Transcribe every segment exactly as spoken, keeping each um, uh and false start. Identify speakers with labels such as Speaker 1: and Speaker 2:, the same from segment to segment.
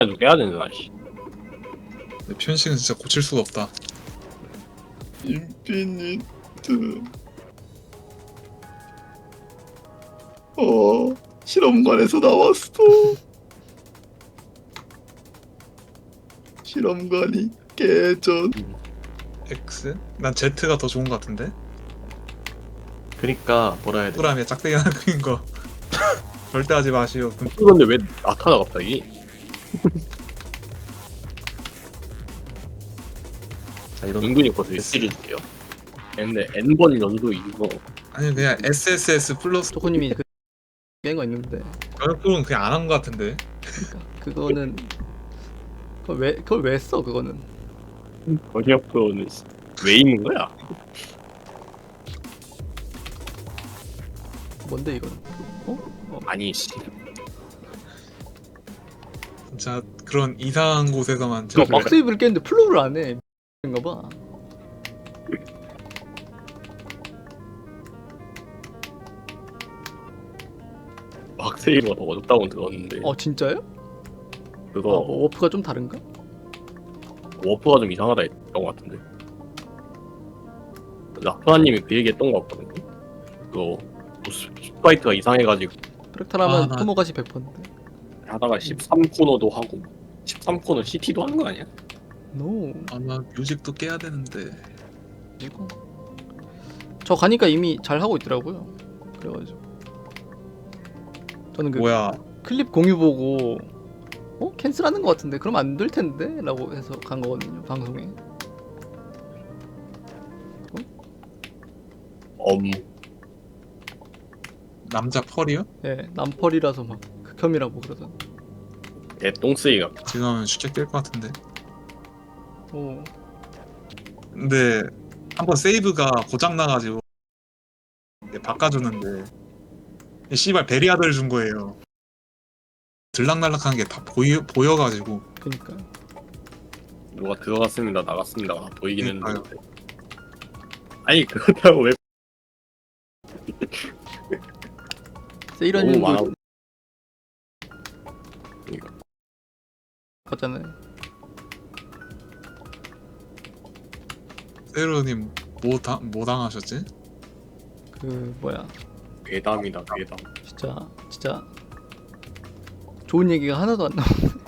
Speaker 1: 좀 깨야 되는 씨.
Speaker 2: 근데 편식은 진짜 고칠 수가 없다.
Speaker 3: 인피니트. 어, 실험관에서 나왔어. 실험관이 개전.
Speaker 2: X? 난 Z가 더 좋은 것 같은데?
Speaker 4: 그니까 뭐라 해야 돼?
Speaker 2: 동그라미에 짝대기 하나 그린 거 절대 하지 마시오. 그
Speaker 1: 그런데 왜 나타나 갑자기?
Speaker 4: 자 이런
Speaker 1: 은근히 거의 시리즈예요. 근데 N번 연도 이거
Speaker 2: 아니 그냥 에스에스에스 플러스
Speaker 5: 초코님이 그 깬 거 있는데
Speaker 2: 결국은 그냥 안 한 것 같은데.
Speaker 5: 그러니까 그거는 그걸 왜 그걸 왜 써 그거는
Speaker 1: 번역표는 왜 있는 거야?
Speaker 5: 뭔데 이거는 어? 어
Speaker 1: 아니 씨.
Speaker 2: 진짜 그런 이상한 곳에서만
Speaker 1: 그거
Speaker 2: 제가
Speaker 1: 막-
Speaker 5: 박스웨이브를 깼는데 플로우를 안해 인가 봐.
Speaker 1: 막세이브가 더 어렵다고 들었는데
Speaker 5: 어 진짜요?
Speaker 1: 그거
Speaker 5: 아, 뭐 워프가 좀 다른가?
Speaker 1: 워프가 좀 이상하다 했던 것 같은데. 라프아님이 그 얘기했던 것 같거든요. 그거 스파이트가 이상해가지고
Speaker 5: 프랙탈하면
Speaker 2: 아, 나-
Speaker 5: 토모가시 백 퍼센트인데
Speaker 1: 하다가 십삼 코너도 하고 십삼 코너 씨티도 하는 거 아니야?
Speaker 5: 노
Speaker 2: 아마 뮤직도 깨야 되는데.
Speaker 5: 이거 저 가니까 이미 잘 하고 있더라고요. 그래가지고 저는 그
Speaker 2: 뭐야?
Speaker 5: 클립 공유 보고 어? 캔슬하는 것 같은데 그럼 안 될 텐데? 라고 해서 간 거거든요 방송에.
Speaker 1: 엄
Speaker 2: 남자 펄이요?
Speaker 5: 예, 남펄이라서 막 극혐이라고 그러던.
Speaker 1: 개똥쓰이가
Speaker 2: 지금 하면 쉽게 깰 것 같은데.
Speaker 5: 오,
Speaker 2: 근데 한번 세이브가 고장 나가지고 바꿔주는데 이 씨발 베리아들 준 거예요. 들락날락한 게 다 보여 보여가지고.
Speaker 5: 그니까
Speaker 1: 누가 들어갔습니다 나갔습니다 가 보이긴
Speaker 2: 그러니까요.
Speaker 1: 했는데 아니 그렇다고 왜
Speaker 5: 세이런
Speaker 1: 너무
Speaker 5: 님도
Speaker 1: 많아. 그러니까.
Speaker 5: 갔잖아요.
Speaker 2: 세로님 뭐, 당, 뭐 당하셨지?
Speaker 5: 그 뭐야,
Speaker 1: 괴담이다 괴담.
Speaker 5: 진짜 진짜 좋은 얘기가 하나도 안 나와.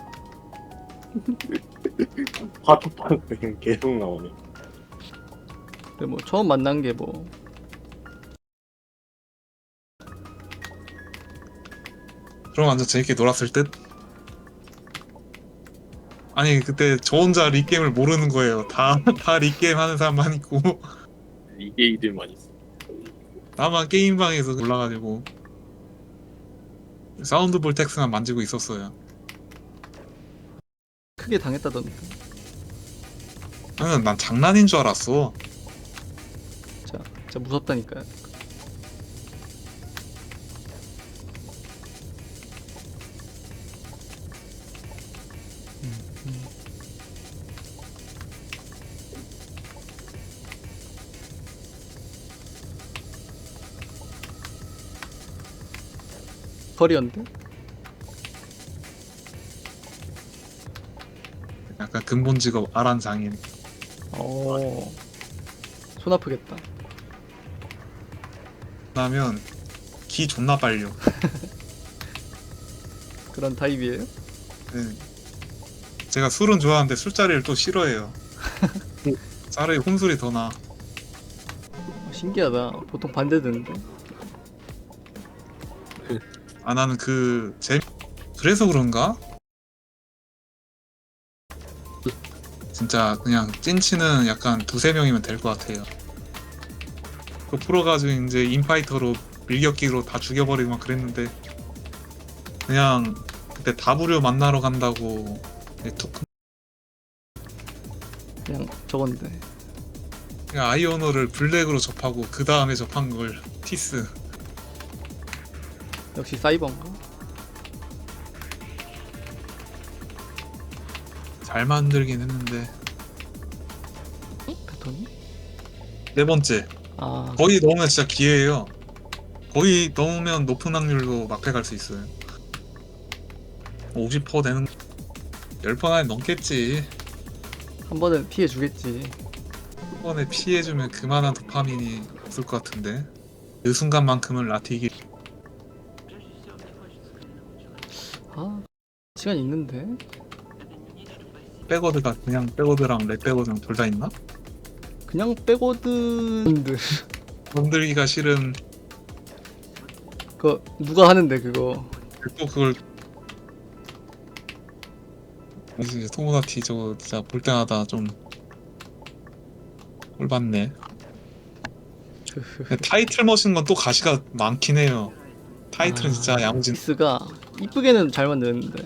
Speaker 1: 파토판 그냥 계속 나오네.
Speaker 5: 근데 뭐 처음 만난 게 뭐
Speaker 2: 그럼 완전 재밌게 놀았을 듯? 아니 그때 저 혼자 리게임을 모르는 거예요. 다 다 리게임 하는 사람만 있고
Speaker 1: 이게이들만 있어.
Speaker 2: 나만 게임방에서 올라가지고 사운드 볼텍스만 만지고 있었어요.
Speaker 5: 크게 당했다던데.
Speaker 2: 나는 난 장난인 줄 알았어.
Speaker 5: 진짜 진짜 무섭다니까요. 음, 음. 커리어인데?
Speaker 2: 약간 근본 직업 아란 장인.
Speaker 5: 어, 손 아프겠다.
Speaker 2: 나면 기 존나 빨려.
Speaker 5: 그런 타입이에요?
Speaker 2: 네. 제가 술은 좋아하는데 술자리를 또 싫어해요. 차라리 혼술이 더 나.
Speaker 5: 어, 신기하다. 보통 반대되는데.
Speaker 2: 아 나는 그 재... 그래서 그런가? 진짜 그냥 찐치는 약간 두세 명이면 될 것 같아요. 그 풀어가지고 이제 인파이터로 밀격기로 다 죽여버리고 막 그랬는데 그냥 그때 다부류 만나러 간다고 툭
Speaker 5: 그냥 저건데.
Speaker 2: 그냥 아이오너를 블랙으로 접하고 그 다음에 접한 걸 티스.
Speaker 5: 역시 사이버인가?
Speaker 2: 잘 만들긴 했는데
Speaker 5: 패턴이?
Speaker 2: 네 번째
Speaker 5: 아,
Speaker 2: 거의 넣으면 진짜 기회예요. 거의 넣으면 높은 확률로 막패 갈 수 있어요. 오십 퍼센트 되는 열 번 안에 넘겠지.
Speaker 5: 한 번은 피해 주겠지.
Speaker 2: 한 번에 피해주면 그만한 도파민이 없을 것 같은데. 그 순간만큼은 라티 이기.
Speaker 5: 아 시간 있는데.
Speaker 2: 백워드가 그냥 백워드랑 랩 백워드랑 둘 다 있나?
Speaker 5: 그냥 백워드
Speaker 2: 건들기가 싫은.
Speaker 5: 그거 누가 하는데 그거.
Speaker 2: 또 그걸 이제 토모다티 저거 진짜 볼 때마다 좀 꼴받네. 근데 타이틀 머신 건 또 가시가 많긴 해요. 타이틀은
Speaker 5: 아,
Speaker 2: 진짜 야무진.
Speaker 5: 스가 이쁘게는 잘 만드는데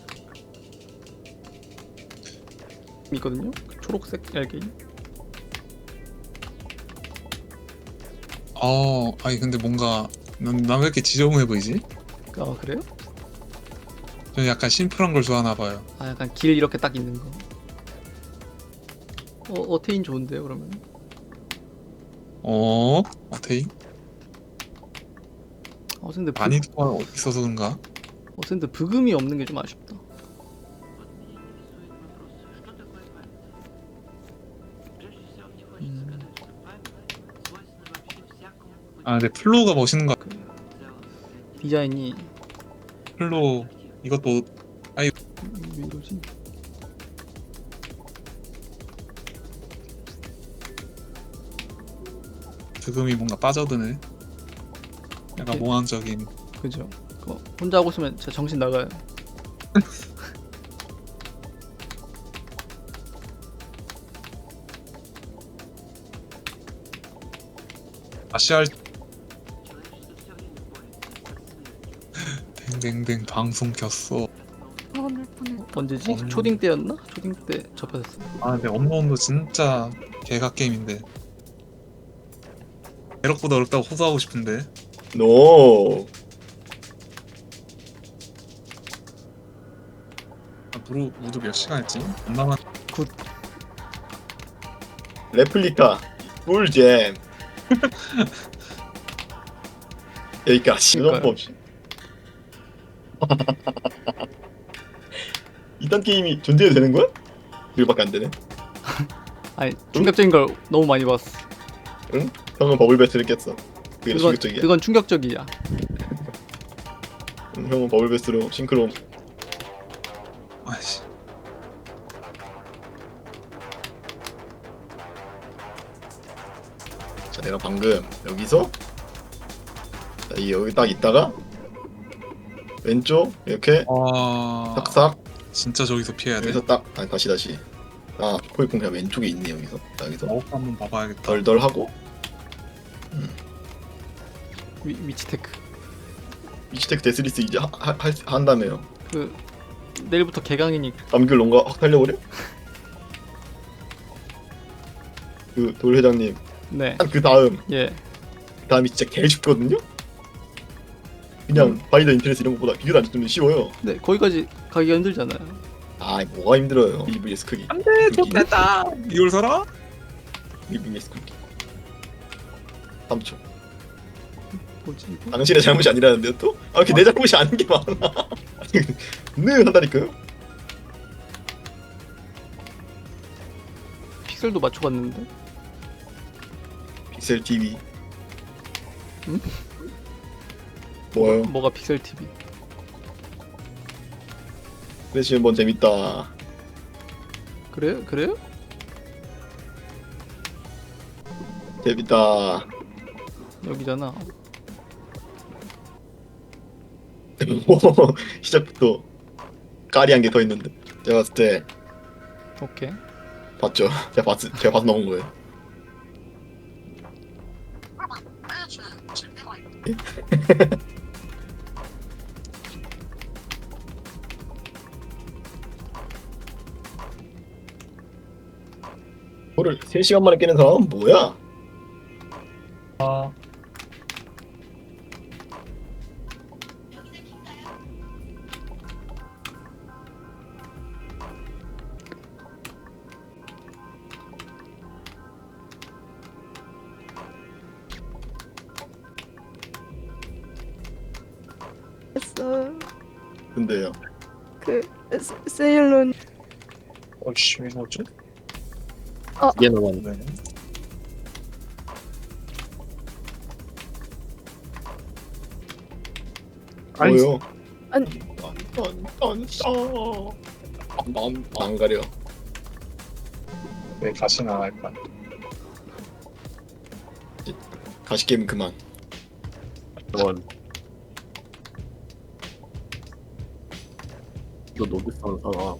Speaker 5: 있거든요. 그 초록색 얄개.
Speaker 2: 어, 아니 근데 뭔가 난 왜 이렇게 지저분해 보이지?
Speaker 5: 아 그래요?
Speaker 2: 저는 약간 심플한 걸 좋아하나 봐요.
Speaker 5: 아 약간 길 이렇게 딱 있는 거. 어 어테인 좋은데요 그러면?
Speaker 2: 어, 어테이?
Speaker 5: 어 근데 브,
Speaker 2: 많이 듣고 있어서 그런가?
Speaker 5: 어 근데 브금이 없는 게 좀 아쉽다. 음,
Speaker 2: 아 근데 플로우가 멋있는 거 같아.
Speaker 5: 디자인이
Speaker 2: 플로우 이것도
Speaker 5: 왜 이러지?
Speaker 2: 드금이 뭔가 빠져드네. 약간
Speaker 5: 네.
Speaker 2: 몽환적인.
Speaker 5: 그죠? 그거 혼자 하고 있으면 진짜 정신 나가요.
Speaker 2: 아시알 댕댕댕 방송 켰어.
Speaker 4: 화낼 뻔했다.
Speaker 5: 언제지?
Speaker 2: 음.
Speaker 5: 초딩 때였나? 초딩 때 접했었어.
Speaker 2: 아 근데 업로드도 진짜 개각 게임인데 대럭보다 어렵다고 호소하고 싶은데.
Speaker 3: 노.
Speaker 2: 아, 무루 무드 몇 시간 했지? 엄마만
Speaker 3: 레플리카 꿀잼. 여기까지.
Speaker 5: 그러니까요.
Speaker 3: 이런 없이. 이딴 게임이 존재해도 되는 거야? 이거밖에 안 되네.
Speaker 5: 아니 충격적인 걸 너무 많이 봤어.
Speaker 3: 응? 형은 버블 배스를 깼어. 그게
Speaker 5: 그건
Speaker 3: 충격적이야.
Speaker 5: 그건 충격적이야.
Speaker 3: 응, 형은 버블 배스로 싱크로.
Speaker 2: 아이씨.
Speaker 3: 자, 내가 방금 여기서 자, 이 여기 딱 있다가 왼쪽 이렇게
Speaker 2: 아
Speaker 3: 싹싹
Speaker 2: 진짜 저기서 피해야 돼.
Speaker 3: 여기서 딱 아니, 다시 다시 아 포획공 그냥 왼쪽에 있네 여기서 자, 여기서
Speaker 2: 마법 한번 봐봐야겠다.
Speaker 3: 덜덜 하고
Speaker 5: 위, 위치테크.
Speaker 3: 위치테크 데스리스 이제 하, 하, 할- 한다며요.
Speaker 5: 그 내일부터 개강이니까.
Speaker 3: 감귤 농가 확 달려버려? 그 돌 회장님
Speaker 5: 네.
Speaker 3: 한 그 다음
Speaker 5: 예.
Speaker 3: 그 다음이 진짜 개 쉽거든요? 그냥
Speaker 5: 음.
Speaker 3: 바이더 인터넷 이런 것보다 비교도 안 좋으면 쉬워요.
Speaker 5: 네 거기까지 가기가 힘들잖아요.
Speaker 3: 아 뭐가 힘들어요. 일 브이에스 크기
Speaker 2: 안돼 좋겠다. 이걸 사라?
Speaker 3: 일 브이에스 크기 삼 초
Speaker 5: 뭐지 이거?
Speaker 3: 당신의 잘못이 아니라는데요 또? 아 이렇게 내 잘못이 아닌 게 많아. 아니 네 한다니까요?
Speaker 5: 픽셀도 맞춰봤는데.
Speaker 3: 픽셀 티비
Speaker 5: 응?
Speaker 3: 뭐요?
Speaker 5: 뭐가 픽셀 티비?
Speaker 3: 플래시 한번 재밌다.
Speaker 5: 그래요? 그래요?
Speaker 3: 재밌다.
Speaker 5: 여기잖아.
Speaker 3: 오, 시작부터 까리한 게 더 있는데 제가 봤을 때
Speaker 5: 오케이.
Speaker 3: 봤죠? 제가 봤 제가 봐서 나온 거예요. 이거를 세 시간 만에 깨는 사람은 뭐야?
Speaker 2: 아
Speaker 4: 했어.
Speaker 3: 근데요.
Speaker 4: 그 세- 세일론.
Speaker 2: 어이씨 왜 뭐지?
Speaker 1: 이게 남았네.
Speaker 2: 네. 아니,
Speaker 3: 뭐요?
Speaker 4: 아니.
Speaker 3: 안 가려.
Speaker 2: 왜 가시나 할까?
Speaker 3: 가시 게임 그만.
Speaker 1: 저건 너 노비스한 사람.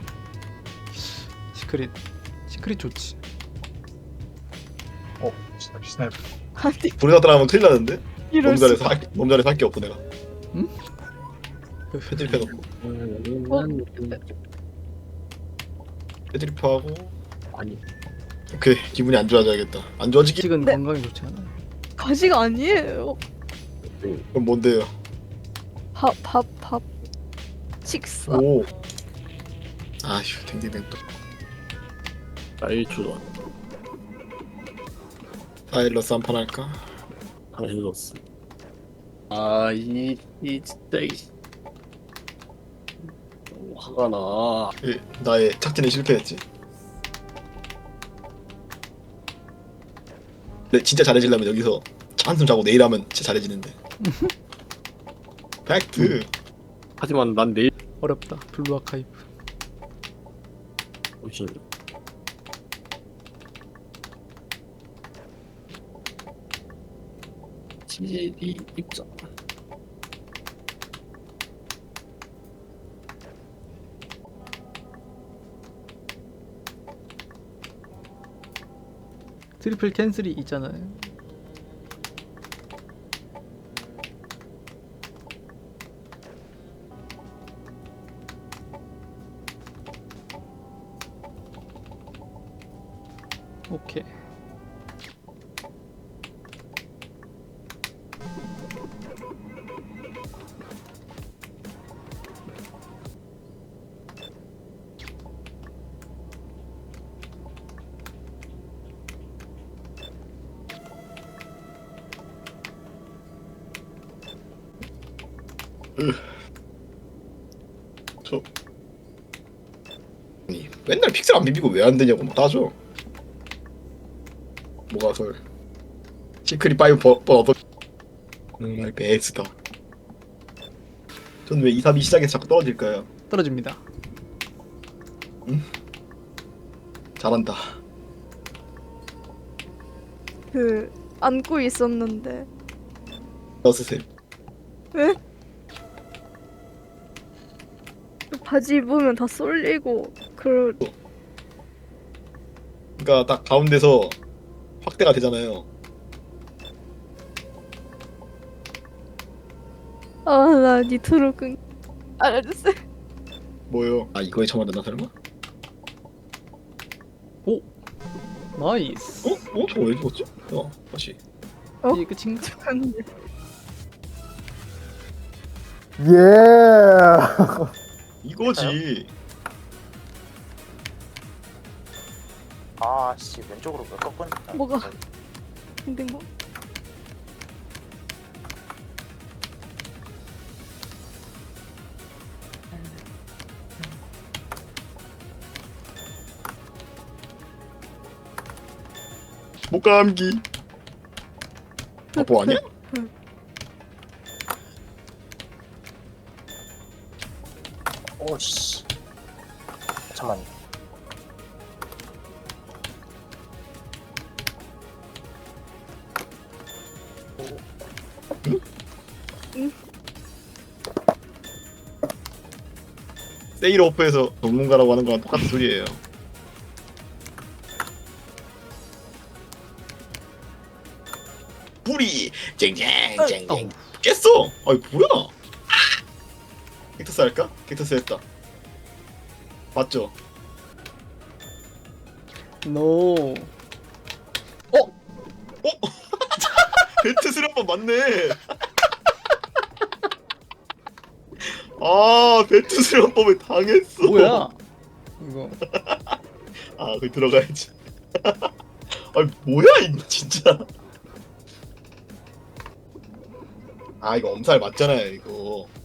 Speaker 5: 시크릿 시크릿 좋지.
Speaker 2: 어 스나이프 스나이프.
Speaker 4: 아니
Speaker 3: 우리가 따라하면 큰일 나는데?
Speaker 4: 이럴
Speaker 3: 몸자리에서
Speaker 4: 수가.
Speaker 3: 할, 몸자리에서 할 게 없고 내가
Speaker 5: 그
Speaker 3: 패드립해놓고
Speaker 4: 어?
Speaker 3: 패드립하고
Speaker 1: 아니
Speaker 3: 오케이 기분이 안 좋아져야겠다. 안 좋아지기?
Speaker 5: 식은
Speaker 4: 네.
Speaker 5: 건강에 좋지 않아.
Speaker 4: 가시가 아니에요.
Speaker 3: 그럼 뭔데요?
Speaker 4: 밥 밥 밥. 식사.
Speaker 3: 오 아휴 댕댕댕 또
Speaker 1: 나일주도
Speaker 3: 파일러스 한 판 할까?
Speaker 1: 당신 줬어. 아이 이 진짜 이 너무 화가 나.
Speaker 3: 예, 나의 착진이 실패했지. 근데 진짜 잘해지려면 여기서 한숨 자고 내일 하면 진짜 잘해지는데. 팩트.
Speaker 1: 하지만 난 내일
Speaker 5: 어렵다. 블루 아카이브.
Speaker 1: 오신 지디 입장.
Speaker 5: 트리플 캔슬이 있잖아요. 오케이.
Speaker 3: 저 아니 맨날 픽셀 안 비비고 왜 안 되냐고 막 따져. 뭐가 설 시크릿 파이브 버, 버, 버. 음, 베스다. 전 왜 이, 삼, 이 시작에서 자꾸 떨어질까요?
Speaker 5: 떨어집니다.
Speaker 3: 잘한다.
Speaker 4: 그 안고 있었는데.
Speaker 3: 넣으세요.
Speaker 4: 왜? 바지 입으면 다 쏠리고 그러.
Speaker 3: 그러니까 딱 가운데서 확대가 되잖아요.
Speaker 4: 아나 니트로 끈. 알았어.
Speaker 3: 뭐요? 아 이거에 처음 알았나 설마?
Speaker 5: 오, 나이스.
Speaker 3: 어? 어? 저거 왜 죽었지? 어 다시.
Speaker 4: 어?
Speaker 5: 이게 끝인가?
Speaker 4: 잠깐만요.
Speaker 3: 이거지.
Speaker 6: 아씨 왼쪽으로 몇 꺾은
Speaker 4: 뭐가? 근데 뭐?
Speaker 3: 목감기. 바보 아니야?
Speaker 6: 오씨 잠만
Speaker 3: 세일 오프에서 전문가라고 하는 거랑 똑같은 소리예요. 뿌리 쨍쨍 쨍쨍
Speaker 5: 어우.
Speaker 3: 깼어. 아이 뭐야? 객터스 할까? 객터스 했다. 맞죠?
Speaker 5: 노.
Speaker 3: 벨트 수련법 맞네. 아 벨트 수련법에 당했어.
Speaker 5: 뭐야? 이거
Speaker 3: 아 거기 들어가야지. 아 뭐야 이거 진짜. 아 이거 엄살 맞잖아요 이거.